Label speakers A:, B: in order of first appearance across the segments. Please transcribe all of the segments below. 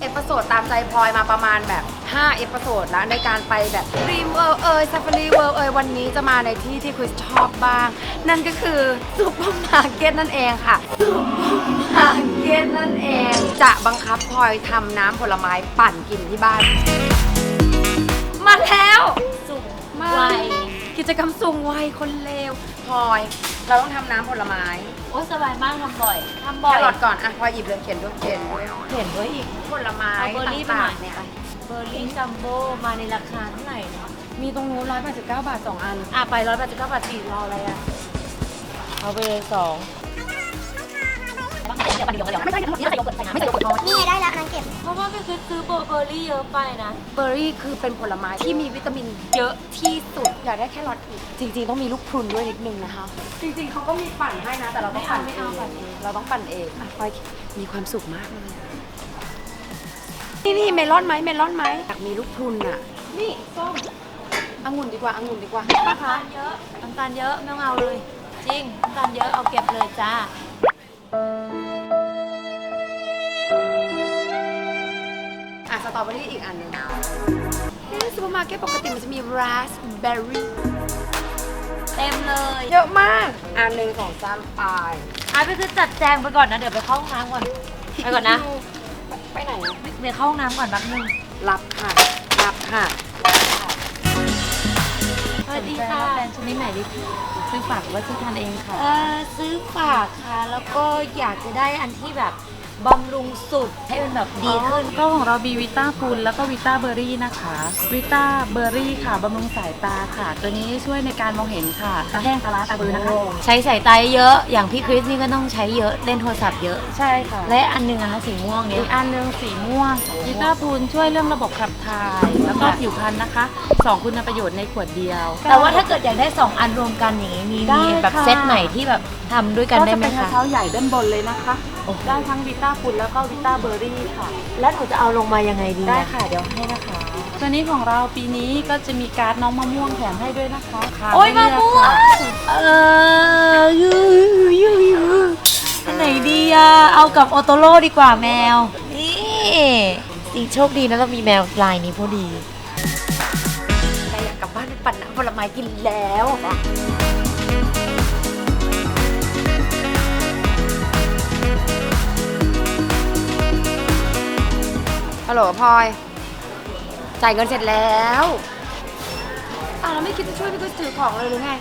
A: เอพิโซดตามใจพลอยมาประมาณแบบ5เอพิโซดแล้วในการไปแบบรีมเวิลด์ซาฟารีเวิลด์วันนี้จะมาในที่ที่คุณชอบบ้าง นั่นก็คือซุปเปอร์มาร์เก็ตนั่นเองค่ะซุปเปอร์มาร์เก็ตนั่นเองจะบังคับพลอยทำน้ำผลไม้ปั่นกินที่บ้านมาแล้วสุกไวกิจกรรมสูงวัยคนเลวพลอยเราต้องทำน้ำผลไม้
B: โอ้สบายมากทำบ่อย
A: แครอทก่อนอ่ะพลอยหยิบเลยเขียนด้วยเขียนด้วย
B: เห็นด้วยอีก
A: ผลไม้
B: เอาเบอร์รี่ไปหน่
A: ต่า
B: อง ย
A: ๆเนี่ย
B: เบอร์รี่จัมโบ้มาในราคาเท่าไหร่เนาะ
A: มีตรงนู้น189 บาท2 อัน
B: อ่ะไป189 บาทสี่รออะไรอ่ะเอาไปเลย2ไม่ใส่โยเกิร์ต
C: นี่ไงได้แล้วนังเก็บ
B: เพราะว่าพี่คือซื้อเบอร์รี่เยอะไปนะ
A: เบอร์รี่คือเป็นผลไม้ที่มีวิตามินเยอะที่สุดอยากได้แครอทอีกจริงๆต้องมีลูกพรุนด้วยนิดนึงนะคะ จริงๆเขาก็มีปั่นให้นะแต่เราต้องปั่น
B: ไม่เอาปั่นเอง
A: เราต้องปั่นเองอ่ะพลอยมีความสุขมากเลยนี่เมลอนไหมอยากมีลูกพรุนอ่ะนี่ส้มองุ่นดีกว่าป้าคะ
B: น้ำตาลเยอะไม่ต้องเอาเลย จริงน้ำตาลเยอะเอาเก็บเลยจ้า
A: อ่ะสตรอเบอรี่อีกอันหนึงในซูเปอร์มาร์เก็ตปกติมันจะมีราสเบอร์รี่
B: เต็มเลย
A: เยอะมากอันหนึ่งของซ้ำปลาย
B: อ่ะพี่คือจัดแจงไปก่อนนะเดี๋ยวไปเข้าห้องน้ำก่อนไปก่อนนะ
A: ไปไหนอะ
B: เดี๋ยวเข้าห้องน้ำก่อนแป๊บนึง
A: รับค่ะ
B: สวัสดีค่ะ
D: แฟนชนิดไหนดีซื้อฝากหรือว่าซื้อทานเองค่ะ
B: ซื้อฝากค่ะ แล้วก็อยากจะได้อันที่แบบบำรุงสุดให้มันแบบดีขึ้น
D: ก็ของเรามีวิต้าพูลแล้วก็วิต้าเบอร์รี่นะคะวิต้าเบอร์รี่ค่ะบำรุงสายตาค่ะ ตัวนี้ช่วยในการมองเห็นค่ะตาแห้งตาล้าตาบือนะคะ
B: ใช้สายตาเยอะอย่างพี่คริสนี่ก็ต้องใช้เยอะเล่นโทรศัพท์เยอะ
D: ใช่ค่ะ
B: และอันหนึงนะคะสีม่วงเนี้
D: อี
B: ย
D: กอันหนึงสีม่วงวิต้าพูลช่วยเรื่องระบบขับถ่าย แล้วก็ผิวพรรณนะคะ2คุณประโยชน์ในขวดเดียว
B: แต่ว่าถ้าเกิดอยากได้ 2 อันรวมกันอย่างนี้มี
D: ได้
B: แบบ
D: ค่ะ
B: เซตไหนที่แบบทำด้วยกัน
D: ก็
B: ได้
D: จะ
B: ไหม
D: เป็นกระ
B: คะ
D: เช้าใหญ่ด้านบนเลยนะคะ
B: โอ้
D: ได้ทั้งวิต้าพูลแล้วก็วิต้าเบอร์รี่ค่ะ
B: แล้วหนูจะเอาลงมายังไงดี
D: ได้
B: นะ
D: ค่ะเดี๋ยวให้นะคะ ตัวนี้ของเราปีนี้ก็จะมีการ์ดน้องมะม่วงแถมให้ด้วยนะคะ
B: โอ้ยมะม่วง
D: ยู
B: อันไหนดีอะเอากับโอโตโร่ดีกว่าแมว นี่สีโชคดีนะเรามีแมวลายนี้พอดี
A: แต่อยากกลับบ้านไปปั่นน้ำผลไม้กินแล้วฮัลโหลพลอยจ่ายเงินเสร็จแล้วเราไม่คิดจะช่วยพี่ก็ถือของเลยหรือไง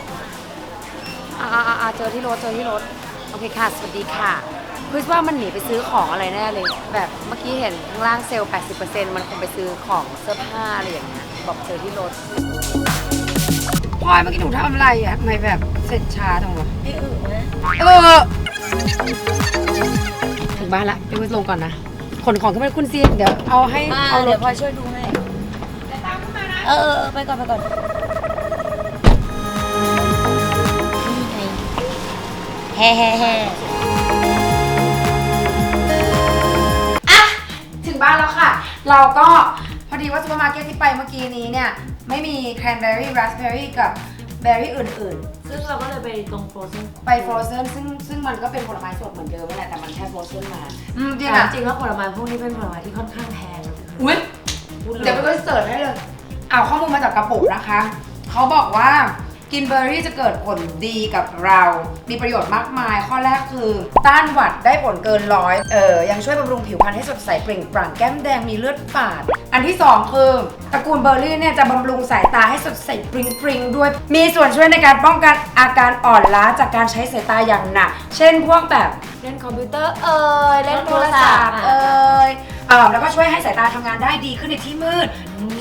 A: เจอที่รถโอเคค่ะสวัสดีค่ะคิดว่ามันหนีไปซื้อของอะไรแน่เลย แบบเมื่อกี้เห็นข้างล่างเซลล์ 80% มันคงไปซื้อของเสื้อผ้าอะไรอย่างเงี้ยบอกเจอที่รถพลอยเมื่อกี้หนูทำอะไรอ่ะทำไมแบบเสร็จช้าจังวะ
B: ไม่อึนะ
A: ถึงบ้านละพี่วิทย์ลงก่อนนะขนของขึ้นไปคุณซีเดี๋ยวเอาให้
B: มา
A: เอาร
B: เดี๋ย
A: ถ
B: วพลอยช่วยดูให้ไปก่อนนี่ไงแฮ่
A: ถึงบ้านแล้วค่ะ เราก็พอดีว่าซูเปอร์มาร์เก็ตที่ไปเมื่อกี้นี้เนี่ยไม่มีแครนเบอร์รี่ราสเบอร์รี่กับเบอร์รี่อื่น
B: ซึ่งเราก็เลยไปตรงโฟรเซน
A: ๆ ไปฟรอเซนซึ่งมันก็เป็นผลไม้สดเหมือนเดิมนั่นแหละแต่มันแค่ฟรอเซนมาจริง
B: แต่
A: อ่ะ
B: จริงแล้วผลไม้พวกนี้เป็นผลไม้ที่ค่อนข้างแพง
A: อุ้ยเดี๋ยวไปก็เสิร์ชให้เลยเอาข้อมูลมาจากกระปุกนะคะเขาบอกว่ากินเบอร์รี่จะเกิดผลดีกับเรา มีประโยชน์มากมาย ข้อแรกคือต้านหวัดได้ผลเกินร้อยยังช่วยบำรุงผิวพรรณให้สดใสเปล่งปลั่งแก้มแดงมีเลือดฝาด อันที่ 2 คือตระกูลเบอร์รี่เนี่ยจะบำรุงสายตาให้สดใสปริงๆด้วย มีส่วนช่วยในการป้องกันอาการอ่อนล้าจากการใช้สายตาอย่างหนัก เช่นพวกแบบเล่นคอมพิวเตอร์เล่นโทรศัพท์แล้วก็ช่วยให้สายตาทำงานได้ดีขึ้นในที่มืด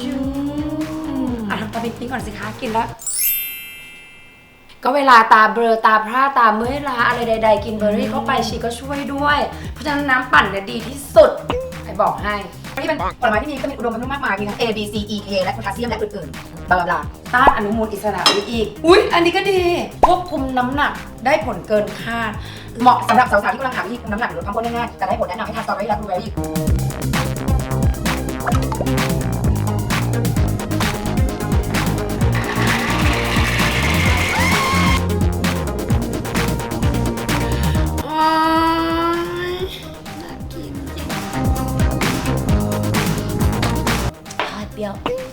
A: ทำตาปิ๊งๆก่อนสิคะกินแล้ว ก็เวลาตาเบลอตาพร่าตาเมื่อยล้าอะไรใดๆกินเบอร์รี่เข้าไปชีก็ช่วยด้วย เพราะฉะนั้นน้ำปั่นเนี่ยดีที่สุดใครบอกให้นี่เป็นผลไม้ที่มีอุดมไปด้วยมากมายมีทั้ง A B C E K และโพแทสเซียมและอื่นๆบลาบลาต้านอนุมูลอิสระอีกอุ๊ยอันนี้ก็ดีควบคุมน้ำหนักได้ผลเกินคาดเหมาะสำหรับสาวๆที่กำลังหาวิธีคุมน้ำหนักหรือลดความอ้วนง่ายๆแต่ได้ผลแนะนำให้ทานสตรอเบอรี่และบลูเบอร์รี่
B: รี้ยว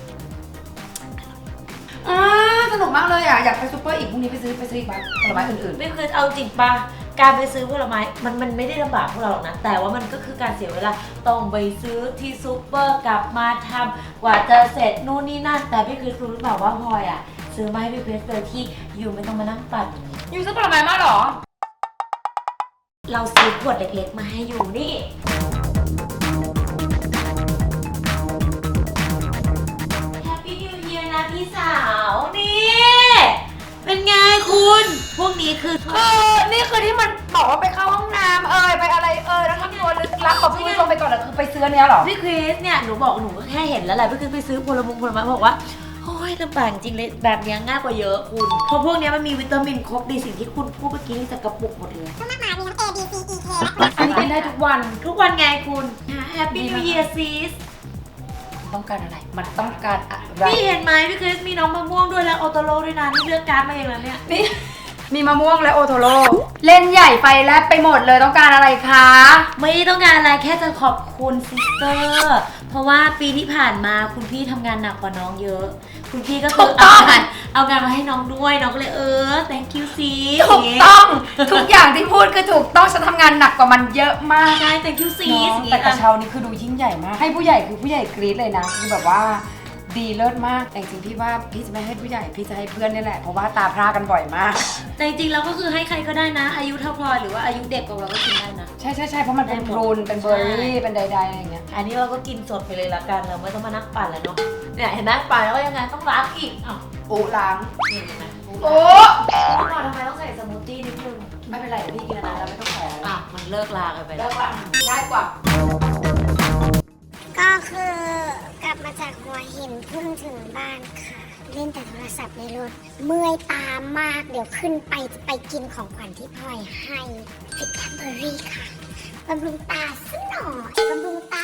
A: สนุกมากเลยอ่ะอยากไปซูเปอร์อีกพรุ่งนี้ไปซื้ออีกบ้างผลไม้อื่น
B: ไม่เคยเอาจริงปะการไปซื้อผลไม้มันไม่ได้ลำบากพวกเราหรอกนะแต่ว่ามันก็คือการเสียเวลาต้องไปซื้อที่ซูเปอร์กลับมาทำกว่าจะเสร็จนู่นนี่นั่นแต่พี่คริสรู้หรือเปล่าว่าพลอยอ่ะซื้อมาให้พี่คริสโดยที่อยู่ไม่ต้องมานั่งปั่น
A: ๆอยู่ซื้อผลไม้มาเหรอ
B: เราซื้อขวดเล็กๆมาให้อยู่นี่แฮปปี้นิวเยียร์นะพี่สาวนี่เป็นไงคุณพวกนี้คือ
A: นี่คือที่มันบอกว่าไปเข้าห้องน้ำไปอะไรแล้วทำตัวลึกลับบอกพี่ลงไปก่อนเลยคือไปซื้อเนี้ยเหรอ
B: พี่คริสเนี่ยหนูบอกหนูก็แค่เห็นแล้วแหละพี่คริสไปซื้อผลไม้บอกว่าโอ้ยลำบากจริงเลยแบบนี้ง่ายกว่าเยอะคุณเพราะพวกนี้มันมีวิตามินครบในสิ่งที่คุณพูดเมื่อกี้นี่จากกระปุกหมดเลย
C: ก็มากมายมีทั้ง A B C E K และ
A: อันนี้กินได้ทุกวัน
B: ทุกวันไงคุณแฮปปี้นิวเยียร์ซีส
A: ต้องการอะไรมันต้องการอะไร
B: พี่เห็นไหมพี่คริสมีน้องมะม่วงด้วยแล้วโอโตโร่ด้วยนะนี่เลือกการ์ดมาเองแล้วเนี่ย
A: นี่มีมะม่วงและโอโทโร่เล่นใหญ่ไฟแลบไปหมดเลยต้องการอะไรคะ
B: ไม่ต้องการอะไรแค่จะขอบคุณซิสเตอร์เพราะว่าปีที่ผ่านมาคุณพี่ทำงานหนักกว่าน้องเยอะ คุณพี่ก็คือเอางานมาให้น้องด้วยน้องก็เลยthank you ซี
A: ถูกต้องทุกอย่างที่พูดคือถูกต้องฉันทำงานหนักกว่ามันเยอะมาก
B: ใช่ thank you ซี
A: แต่กระเช้านี่คือดูยิ่งใหญ่มากให้ผู้ใหญ่คือผู้ใหญ่กรี๊ดเลยนะคือแบบว่าดีเลิศมากแต่จริงๆพี่ว่าพี่จะไม่ให้ผู้ใหญ่พี่จะให้เพื่อนนี่แหละเพราะว่าตาพร่ากันบ่อยมาก
B: แต่จริงๆแล้วก็คือให้ใครก็ได้นะ อายุเท่าพลอยหรือว่าอายุเด็กกว่าเราก็กินได้นะ
A: ใช่เพราะมันเป็นพรูนเป็นเบอร์รี่เป็นใดๆอะไรอย่างเงี้ย
B: อันนี้เราก็กินสดไปเลยละกันเราไม่ต้องมานั่งปั่นแล้วเนาะเนี่ยเห็นไหมปั่นแล้วก็ยังไงต้องล้างอีกอ้าว
A: โอ้ล้าง
B: นี่เห็นไหม
A: โอ้
B: ก่อนทำไมต้องใส่สมูทตี้นิดนึง
A: ไม่เป็นไรเดี๋ยวพี่กินอันนั้นแล้วไม่ต้องแพ้
B: มันเลิกลากันไปแล้
A: เลิ
B: ว
A: กละง่ายกว่า
C: ก็คือกลับมาจากหัวหินเพิ่งถึงบ้านค่ะ เล่นแต่โทรศัพท์ในรถเมื่อยตามากเดี๋ยวขึ้นไปจะไปกินของขวัญที่พลอยให้วิตาเบอรี่ค่ะบำรุงตาสักหน่อยบำรุงตา